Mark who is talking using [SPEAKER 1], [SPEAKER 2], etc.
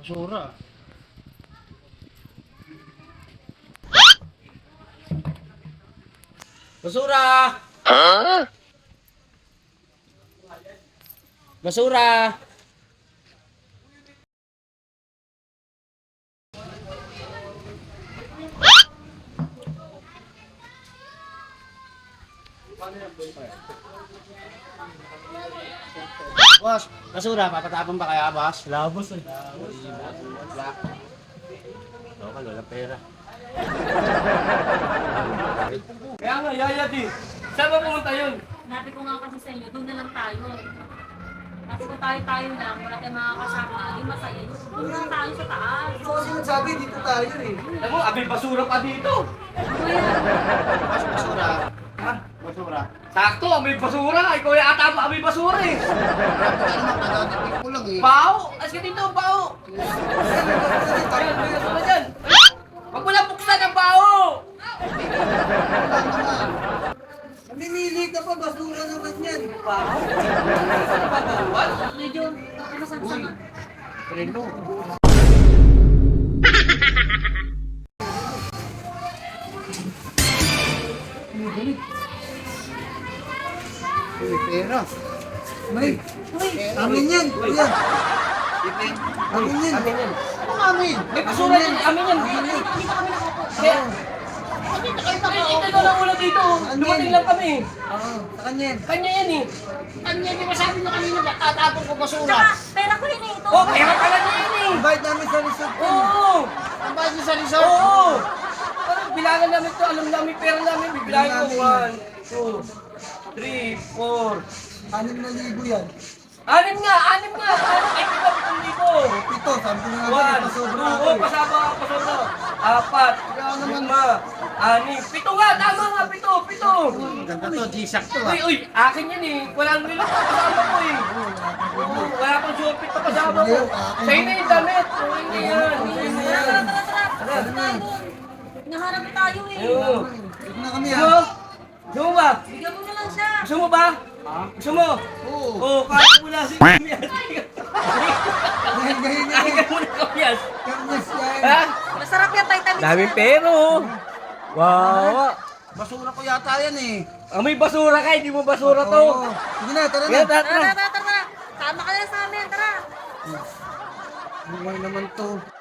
[SPEAKER 1] Basura. Basura! Huh? Basura! Boss, basura, papatapon ba kaya, boss? Labos eh. Wala. Local, walang pera.
[SPEAKER 2] Kaya nga, yaya di. Saan ba pumunta yun?
[SPEAKER 3] Sabi ko nga kasi sa inyo, doon na lang tayo. Kasi kung tayo-tayo lang, wala tayong mga kasama, yung masaya. Doon lang tayo sa taas.
[SPEAKER 4] Kasi sabi dito tayo eh.
[SPEAKER 2] Alam mo, abay basura pa dito.
[SPEAKER 3] Ano yan?
[SPEAKER 1] Basura.
[SPEAKER 2] Ha?
[SPEAKER 1] Basura.
[SPEAKER 2] Sakto, abay basura. Ikaw yung ata mo, abay basura eh.
[SPEAKER 1] Pagkakatipid ko lang eh.
[SPEAKER 2] Pao! Aski dito, pao! Ayan, may basura dyan. Wag mo lang buksan ang pao!
[SPEAKER 4] Namimili ka pa, basura naman yan.
[SPEAKER 2] Pao? Ano ba bawal?
[SPEAKER 3] Medyo, masama.
[SPEAKER 1] Preno. Uy, pera.
[SPEAKER 4] May, amin yan. Kuya. Amin yan.
[SPEAKER 2] Amin yan.
[SPEAKER 1] Ano amin?
[SPEAKER 2] May basura dyan, amin yan. Kaya, ito na lang ulit dito. Dumating lang kami.
[SPEAKER 4] Oo, sa kanya yan.
[SPEAKER 2] Kanya yan eh.
[SPEAKER 1] Kanya, di ba sabi niyo kanina ba tatapon ko basura?
[SPEAKER 3] Tsaka, pera ko yun eh, ito.
[SPEAKER 2] Oh, pera pala niya yan eh.
[SPEAKER 4] Invite namin sa resort ko.
[SPEAKER 2] Oo.
[SPEAKER 1] Ang bayad niyo sa resort?
[SPEAKER 2] Oo. Parang bilangan namin to, alam namin pera namin. Bibilangin ko. 1, 2, 3, 4.
[SPEAKER 4] 6,000 yan.
[SPEAKER 2] Anim nga. Ay, ito, 7,000.
[SPEAKER 4] Ito, sabi nga ba,
[SPEAKER 2] 1, 2,
[SPEAKER 4] pasobra ako
[SPEAKER 2] oh,
[SPEAKER 4] eh.
[SPEAKER 2] pasaba, 4, 5, 6, 7, 8. 7 nga, 7.
[SPEAKER 1] Ganda to, G-Shock to
[SPEAKER 2] Uy, uy, akin yan eh. Walang nila kasama ko eh. Oo, wala pang shopee pa kasama ko. Sa'yo na yung damit. Hindi yan.
[SPEAKER 3] Tara, tara. Naharap na tayo eh.
[SPEAKER 2] Ayun.
[SPEAKER 4] Ito na kami
[SPEAKER 2] Gusto mo?
[SPEAKER 4] ha.
[SPEAKER 2] Gusto mo ba?
[SPEAKER 3] Bigyan mo na lang siya.
[SPEAKER 2] Gusto mo ba? Gusto mo?
[SPEAKER 1] Oo.
[SPEAKER 2] Oo, kaya mo na si Kamias.
[SPEAKER 4] Dahil gahin niya
[SPEAKER 2] Kaya
[SPEAKER 4] eh.
[SPEAKER 2] mo na Kamias.
[SPEAKER 4] Kanyas yan.
[SPEAKER 2] Ha?
[SPEAKER 3] Masarap yan, Titanic.
[SPEAKER 2] Daming pero. Wow.
[SPEAKER 1] Basura ko yata yan eh.
[SPEAKER 2] May basura ka, hindi mo basura to.
[SPEAKER 4] Oo. Sige na, tara
[SPEAKER 2] Kaya
[SPEAKER 4] na.
[SPEAKER 3] Tara,
[SPEAKER 2] tara.
[SPEAKER 3] tara, tara. Sama ka na sa amin, tara.
[SPEAKER 4] Buhay naman to.